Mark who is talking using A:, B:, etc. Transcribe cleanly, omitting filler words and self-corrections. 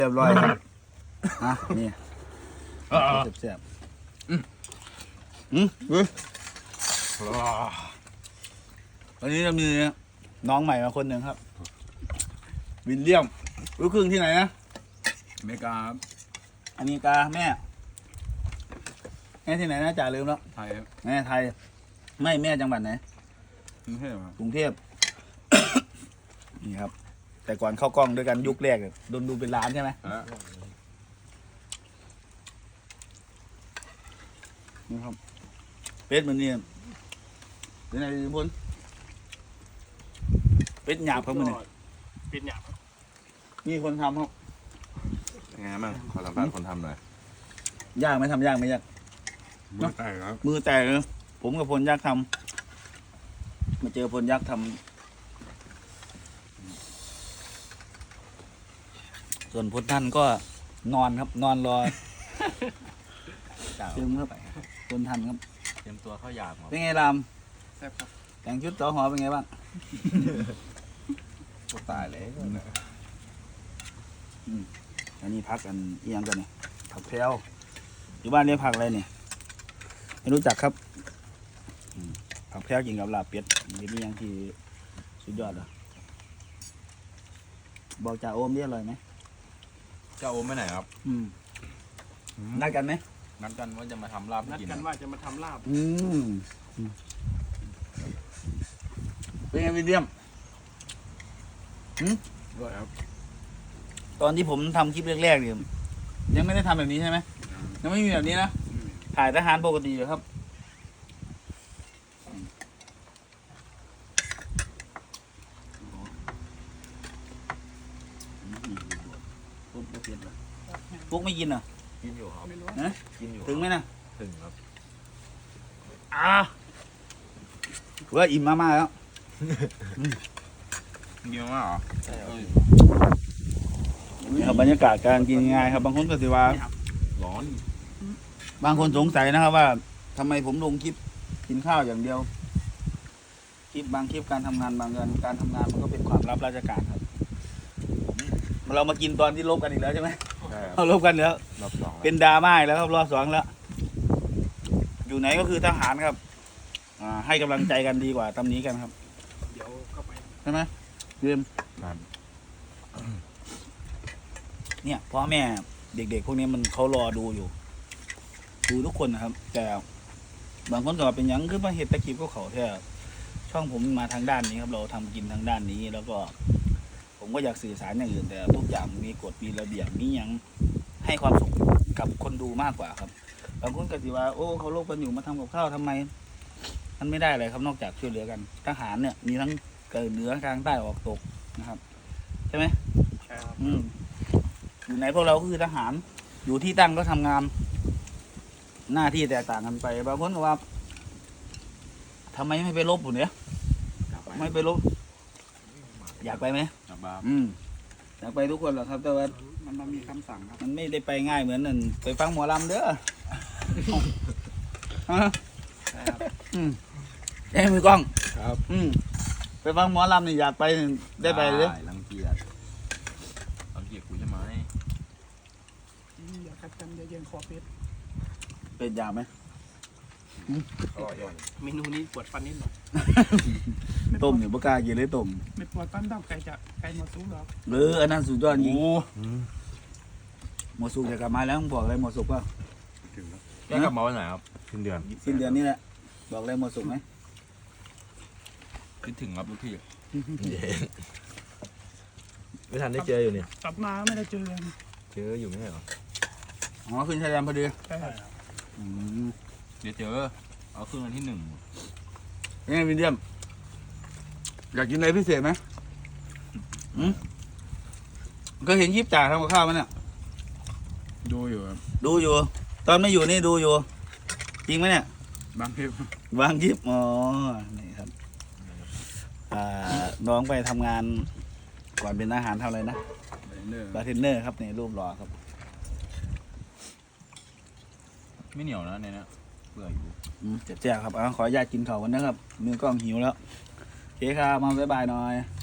A: เรียบร้อยครับฮะนี่เสียบวันนี้เรามีน้องใหม่มาคนหนึ่งครับวิลเลียมลูกครึ่งที่ไหนนะ
B: อเมริกาครับ
A: อเมริกาแม่ที่ไหนนะจ่าลืมแล้ว
B: ไทยครับ
A: แม่ไทยไม่แม่จังหวัดไหน
B: กรุงเทพครับ
A: กรุงเทพ นี่ครับแต่ก่อนเข้ากล้องด้วยกันยุคแรกโดนดูเป็นล้านใช่ไหมนี่ครับเป็ดมันนี่เป็นไงบนเป็ดหยาบครับมันนี่
C: เป็ดหยาบ
A: มีคนทำครับ
B: ยังไงบ้างขอสัมภาษณ์คนทำหน่อย
A: ยากไหมทำยากไหมยาก
B: มือแตกครับ
A: มือแตกเลยผมกับพลยักษ์ทำมาเจอพลยักษ์ทำส่วนพลท่านก็นอนครับนอนรอเติมเข้าไปพลท่านครับ
B: เตรียมตัวเข้ายาม
A: เป็นไงราม
C: แซ่บครับ
A: แต่งชุดต่อหอเป็นไงบ้าง
B: ตายเลย
A: อันนี้พักอันเอียงกันนี่ผักแพรวอยู่บ้านเรียกผักอะไรเนี่ยไม่รู้จักครับผักแพรวกินกับลาบเป็ดเป็นอย่างที่สุดยอดอ่ะบอกจ่าโอมนี่อร่อยไหม
B: เจ้าโอมไปไหนครับ
A: นัดกันไหม
B: นัดกันว่าจะมาทำลาบ
C: นัดกันว่าจะมาทำลาบ
A: เป็นไงวิลเลียม
B: ด้วยครับ
A: ตอนที่ผมทำคลิปแรกๆเนี่ยยังไม่ได้ทำแบบนี้ใช่ไหมยังไม่มีแบบนี้นะถ่ายทหารปกติอยู่ครับพวกไม่กินเหรอ
B: กินอยู่ครับ
A: นะ
B: กินอยู่
A: ถึงไหมนะ
B: ถึงครับ
A: ว่าอิ่มมากๆแล้ว
B: เยอะมากเหรอ
A: ใช่ครับบรรยากาศการกินง่ายครับบางคนก็สิว่า
B: ร้อน
A: บางคนสงสัยนะครับว่าทำไมผมลงคลิปกินข้าวอย่างเดียวคลิปบางคลิปการทำงานบางการทำงานมันก็เป็นความลับราชการครับเรามากินตอนที่ลบกันอีกแล้วใช่ไหมเราลบกันแล้วเป็นดราม่าแล้วครับรอบสองแล้วอยู่ไหนก็คือทหารครับให้กำลังใจกันดีกว่าตำหนิกันครับ
C: เดี๋ยวเข้าไป
A: ใช่ไหมเรียมเนี่ยพ่อแม่เด็กๆพวกนี้มันเขารอดูอยู่ดูทุกคนนะครับแต่บางคนก็เป็นยังคือมาเห็ดตะกีบก็เขาแท้ช่องผมมาทางด้านนี้ครับเราทำกินทางด้านนี้แล้วก็ผมก็อยากสื่อสารอย่างอื่นแต่ทุกอย่างมีกฎมีระเบียบมียังให้ความสุขกับคนดูมากกว่าครับบางคนก็สิว่าโอ้เขาโลกกันอยู่มาทำกับข้าวทำไมมันไม่ได้เลยครับนอกจากช่วยเหลือกันทหารเนี่ยมีทั้งเกิดเหนือกลางใต้ออกตกนะครับใช่ไหม
C: ใช่ครับ
A: อยู่ไหนพวกเราก็คือทหารอยู่ที่ตั้งก็ทำงานหน้าที่แตกต่างกันไปบางคนก็ว่าทำไมไม่ไปลบผมเนี่ยไม่ไปลบอยากไปไหมอยากไปทุกคนหรอกครับแต่ว่า
C: มันมีคำสั่งครับ
A: มันไม่ได้ไปง่ายเหมือนนั่นไปฟังหมอลำเด้อเอ้มือกล้อง
B: ครับ
A: ไปฟังหมอลำนี่อยากไปได้ไปเลย
B: รังเกียจกูใช่ไหม
C: อย่าคัดกันอย่าเย็นคอเป็ด
A: เป็นยาไหม
C: เมนูนี้ปวดฟันนิดหน่อย
A: ต้มเนี่ยปากกากินเลยต้ม
C: ไม่ปวดฟันต้องไก่หมดซุปหรอก
A: อันนั้นสุดยอดจริงหมดสุกจะกลับมาแล้วต้องบอกอะไรหมดสุกป่ะ
B: แล้วกลับมาวันไหนครับสิ้นเดือน
A: นี้แหละบอกอะไรหมดสุกไหม
B: คิดถึงครับทุกที่
D: ไม่ทันได้เจออยู่เนี่ย
C: กลับมาไม่ได้เจอ
D: อยู่ไม่ใช่เหรอ
A: อ๋อขึ้นชายแดนพอดี
C: ใช่
B: เดี๋ยวเจอเอาขึ้นวันที่1
A: ยังไงวิลเลียมอยากกินอะไรพิเศษไหมก็เห็นยิบจ่าทำกับข้าวมันเนี่ย
B: ดูอยู่ครับ
A: ดูอยู่ตอนไม่อยู่นี่ดูอยู่จริงไหมเนี่ย
B: บางคลิป
A: อ๋อนี่ครับน้องไปทำงานก่อนเป็นอาหารเท่าไรนะบาร์เทนเนอร์ครับนี่รูปหล่อครับ
B: ไม่เหนียวนะเนี่ยเปื่อยอยู่
A: เจ็บๆครับขออนุญาตกินข้าวกันนะครับมือกล้องหิวแล้วโอเคครับมาบ๊ายบายหน่อย